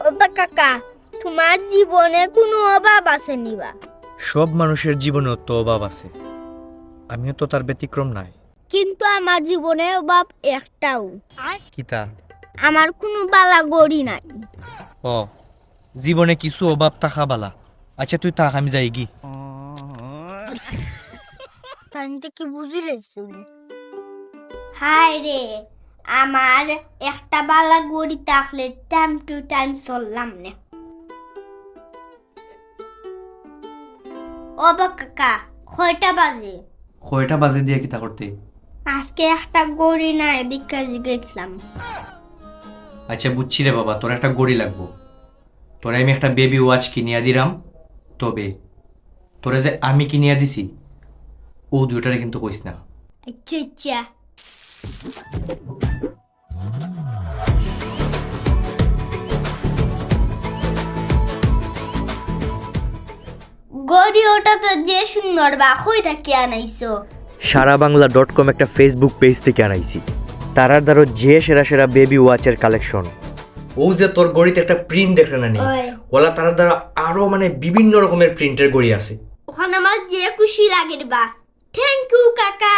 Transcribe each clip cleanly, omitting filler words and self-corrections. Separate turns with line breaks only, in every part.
ওটা কাকা, তোমার জীবনে কোনো অভাব আছে নিবা?
সব মানুষের জীবনেও তো অভাব আছে, আমিও তো তার ব্যতিক্রম নাই।
কিন্তু আমার জীবনে অভাব একটাও।
কিতা?
আমার কোনো বালা গড়ি নাই।
ও, জীবনে কিছু অভাব থাকা বালা। আচ্ছা তুই থাক, আমি যাই গি।
তাইতে কি বুঝিলে শুনি? হায় রে, আমার একটা বালা গড়ি থাকলে টাইম টু টাইম চললাম না। ও বা কাকা, কয়টা বাজে?
কয়টা বাজে দিয়ে কিতা করতে?
আজকে একটা গড়ি নাই, দীক্ষা গেছিলাম।
আচ্ছা বুঝছি রে বাবা, তোর একটা গড়ি লাগবো। তোরে আমি একটা বেবি ওয়াচ কিনিয়া দিলাম, তবে তোরে যে আমি কিনিয়া দিছি ও দুইটারে কিন্তু কইস না।
আচ্ছা আচ্ছা। গড়ি ওটা তো যে সুন্দর বা কইটা কি আনাইছো?
সারা বাংলা .com একটা ফেসবুক পেজ থেকে আনাইছি। তারার দ্বারা যে সেরা সেরা বেবি ওয়াচের কালেকশন। ও যে তোর গড়িতে একটা প্রিন্ট দেখলে না নি, ওলা তারার দ্বারা আরো মানে বিভিন্ন রকমের প্রিন্টের গড়ি আছে।
ওখানে আমার যে খুশি লাগে রে বা। থ্যাংক ইউ কাকা।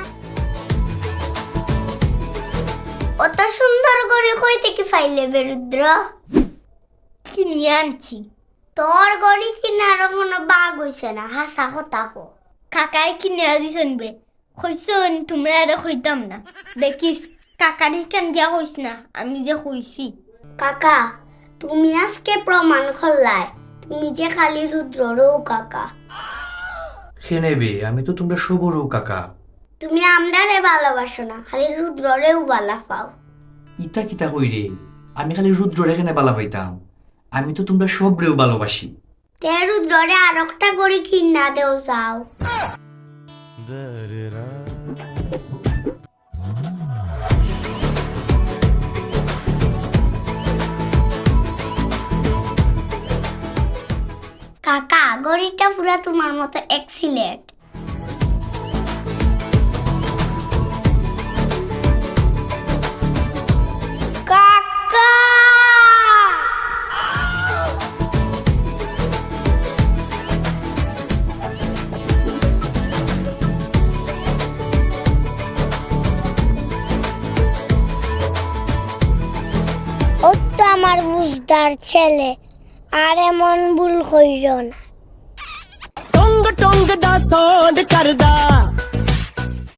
অত সুন্দর করে কই থেকে ফাইলে বেরুদ্র? কিনে আনছি। তোর গড়ি কিনার কোনো বাগ হইছে না, হাসা কথা হো। কাকাই কিনে দিছেন বে, কইছন তোমরা এটা কইতাম না। দেখিস কাকারি কেন গিয়া কইস না, আমি যে কইছি। কাকা, তুমি আজকে প্রমাণ করলাই তুমি যে খালি রুদ্ররও কাকা।
খেনে বে, আমি তো তোমরা সবরও কাকা।
তুমি আমরারে ভালোবাসো না, খালি রুদ্ররেও ভালো পাও।
ইতা কিতা কই রে, আমি খালি রুদ্র রেখে বালা পাইতাম, আমি তো তোমরা সবরেও ভালোবাসি।
তে রুদ্ররে আর একটা গড়ি কিনা দেও যাও। কাকা, গড়িটা পুরা তোমার মতো এক্সিলেন্ট। কাকা! ও তো আমার বুঝদার ছেলে, আর এমন ভুল কইর না।
ਟੰਗ ਟੰਗ ਦਾ ਸੌਂਦ ਕਰਦਾ